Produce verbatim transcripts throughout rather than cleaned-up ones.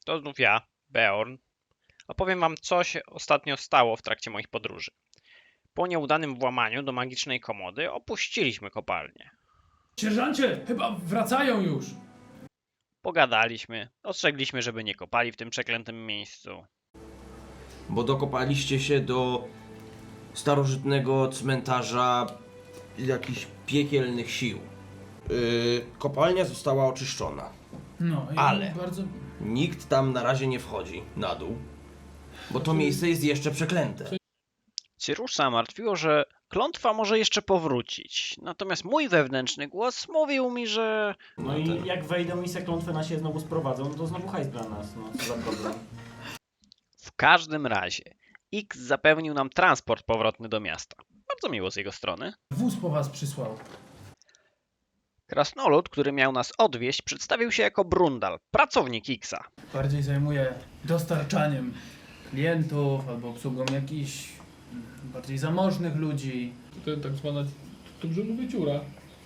To znów ja, Beorn. Opowiem wam, co się ostatnio stało w trakcie moich podróży. Po nieudanym włamaniu do magicznej komody opuściliśmy kopalnię. Sierżancie, chyba wracają już. Pogadaliśmy, ostrzegliśmy, żeby nie kopali w tym przeklętym miejscu. Bo dokopaliście się do starożytnego cmentarza jakichś piekielnych sił. Yy, kopalnia została oczyszczona. No, i Ale. bardzo... Nikt tam na razie nie wchodzi na dół, bo to miejsce jest jeszcze przeklęte. Cyrusa martwiło, że klątwa może jeszcze powrócić. Natomiast mój wewnętrzny głos mówił mi, że... No, No i ten- jak wejdą i se klątwę na siebie znowu sprowadzą, no to znowu hajs dla nas, no co za problem. W każdym razie X zapewnił nam transport powrotny do miasta. Bardzo miło z jego strony. Wóz po was przysłał. Krasnolud, który miał nas odwieźć, przedstawił się jako Brundal, pracownik Xa. Bardziej zajmuje dostarczaniem klientów albo obsługą jakichś bardziej zamożnych ludzi. To tak zwana dobrze mówię dziura.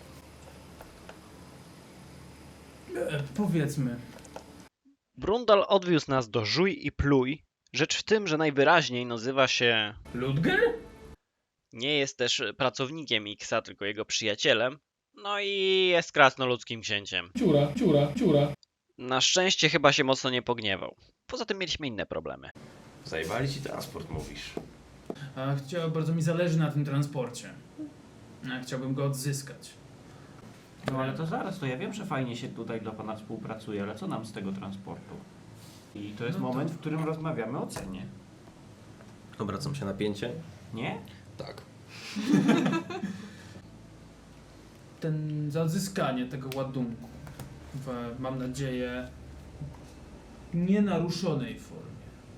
E, powiedzmy. Brundal odwiózł nas do Żuj i Pluj. Rzecz w tym, że najwyraźniej nazywa się... Ludger? Nie jest też pracownikiem Xa, tylko jego przyjacielem. No i jest krasnoludzkim księciem. Dziura, dziura, dziura. Na szczęście chyba się mocno nie pogniewał. Poza tym mieliśmy inne problemy. Zajebali ci transport, mówisz. A chciał, bardzo mi zależy na tym transporcie. A chciałbym go odzyskać. No ale to zaraz, to ja wiem, że fajnie się tutaj dla pana współpracuje, ale co nam z tego transportu? I to jest No to- moment, w którym rozmawiamy o cenie. Obracam się na pięcie. Nie? Tak. Ten, za odzyskanie tego ładunku w, mam nadzieję, nienaruszonej formie.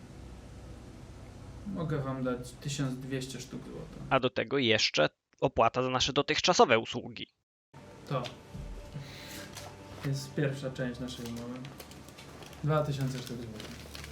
Mogę wam dać tysiąc dwieście sztuk złota. A do tego jeszcze opłata za nasze dotychczasowe usługi. To jest pierwsza część naszej umowy. dwa tysiące sztuk złota.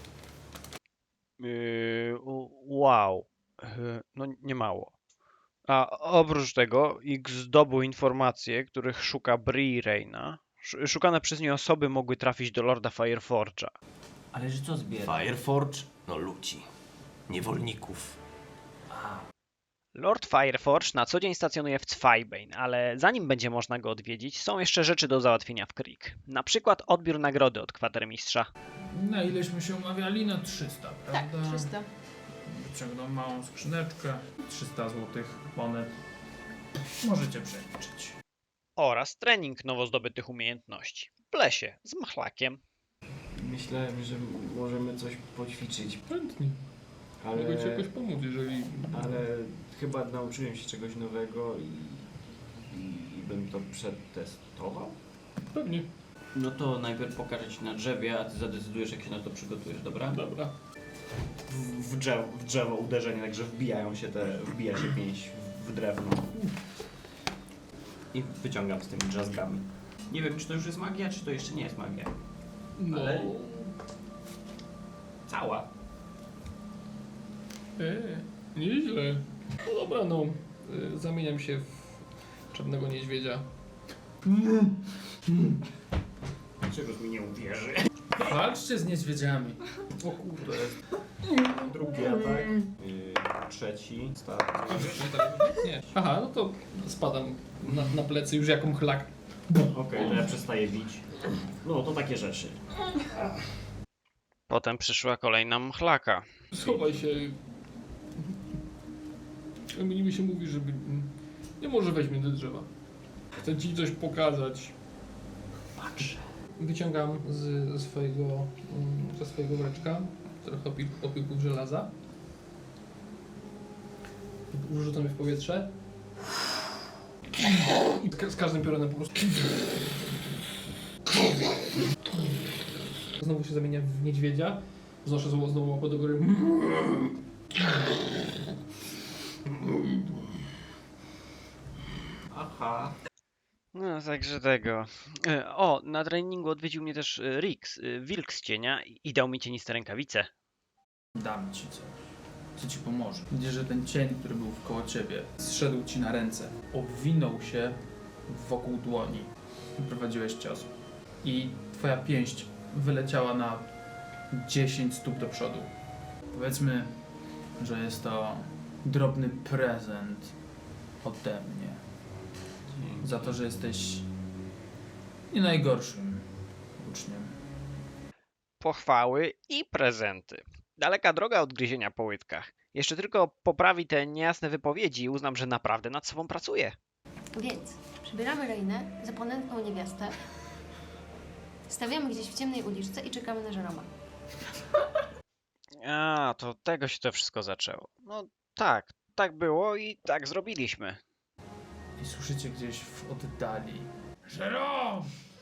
Yy, wow. Yy, no nie mało. A oprócz tego X zdobył informacje, których szuka Bree Reyna. Sz- Szukane przez nie osoby mogły trafić do Lorda Fireforge'a. Ale że co zbiera? Fireforge? No ludzi. Niewolników. Lord Fireforge na co dzień stacjonuje w Zweibein, ale zanim będzie można go odwiedzić, są jeszcze rzeczy do załatwienia w Krieg. Na przykład odbiór nagrody od kwatermistrza. Na ileśmy się umawiali? Na trzysta, Tak, prawda? trzysta. Wyciągnął małą skrzyneczkę. trzysta złotych monet. Możecie przeliczyć. Oraz trening nowo zdobytych umiejętności. W lesie, z machlakiem. Myślałem, że możemy coś poćwiczyć, Chętnie. ale, Mogę ci jakoś pomóc, jeżeli... ale chyba nauczyłem się czegoś nowego i, i, i bym to przetestował. Pewnie. No to najpierw pokażę ci na drzewie, a ty zadecydujesz, jak się na to przygotujesz, dobra? Dobra. W, w, drzewo, w drzewo uderzenie, także wbijają się te, wbija się pięść w, w drewno. I wyciągam z tymi drzazgami. Nie wiem, czy to już jest magia, czy to jeszcze nie jest magia. No. Ale- Cała. E, nieźle. No dobra, no. Y, Zamieniam się w czarnego niedźwiedzia. Czegoś mi nie uwierzy. Walczcie z niedźwiedziami. O kurde. Drugi atak. Yy, trzeci. Ostatni. Nie. Aha, no to spadam na, na plecy już jaką chlak. Okej, to ja przestaję bić. No, to takie rzeczy. Potem przyszła kolejna mchlaka. Schowaj się. Mi mi się mówi, żeby... Nie może weź mnie do drzewa. Chcę ci coś pokazać. Patrz. Wyciągam z, ze swojego, mm, ze swojego woreczka trochę opi- opiłków żelaza. Wrzucam je w powietrze. I ka- z każdym piorunem po prostu... Znowu się zamienia w niedźwiedzia. Znoszę znowu, znowu łapę do góry. Aha. No, także tego. E, O, na treningu odwiedził mnie też e, Rix, e, wilk z cienia i dał mi cieniste rękawice. Dam ci coś, co ci pomoże. Widzisz, że ten cień, który był koło ciebie, zszedł ci na ręce. Obwinął się wokół dłoni. Prowadziłeś cios. I twoja pięść wyleciała na dziesięć stóp do przodu. Powiedzmy, że jest to drobny prezent ode mnie. Za to, że jesteś nie najgorszym uczniem. Pochwały i prezenty. Daleka droga od gryzienia po łydkach. Jeszcze tylko poprawi te niejasne wypowiedzi i uznam, że naprawdę nad sobą pracuje. Więc przybieramy Reinę za ponętną niewiastę, stawiamy gdzieś w ciemnej uliczce i czekamy na Żeroma. A, to tego się to wszystko zaczęło. No tak, tak było i tak zrobiliśmy. I słyszycie gdzieś w oddali. Żerom!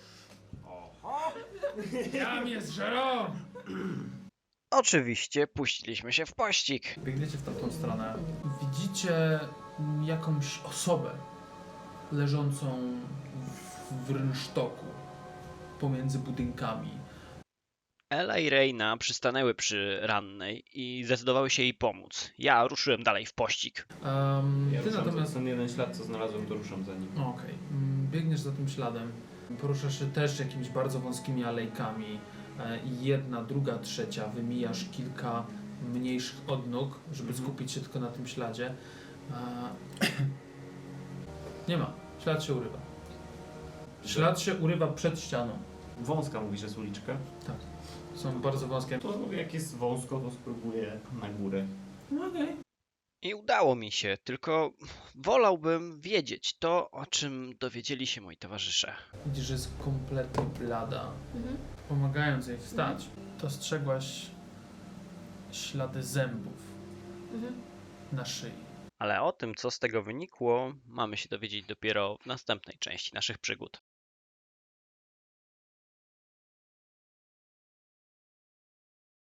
Jam jest Żerom! Oczywiście puściliśmy się w pościg. Biegniecie w tamtą stronę. Widzicie jakąś osobę leżącą w, w rynsztoku pomiędzy budynkami. Ela i Reina przystanęły przy rannej i zdecydowały się jej pomóc. Ja ruszyłem dalej w pościg. Um, Ja ty ruszam natomiast... za ten jeden ślad, co znalazłem, to ruszam za nim. Okej. Mm, Biegniesz za tym śladem. Poruszasz się też jakimiś bardzo wąskimi alejkami. E, Jedna, druga, trzecia. Wymijasz kilka mniejszych odnóg, żeby Mhm. skupić się tylko na tym śladzie. E, Nie ma. Ślad się urywa. Ślad się urywa przed ścianą. Wąska mówisz, że jest uliczka? Są bardzo wąskie. To jak jest wąsko, to spróbuję na górę. Okej. I udało mi się, tylko wolałbym wiedzieć to, o czym dowiedzieli się moi towarzysze. Widzisz, że jest kompletnie blada. Mhm. Pomagając jej wstać, dostrzegłaś ślady zębów Mhm. na szyi. Ale o tym, co z tego wynikło, mamy się dowiedzieć dopiero w następnej części naszych przygód.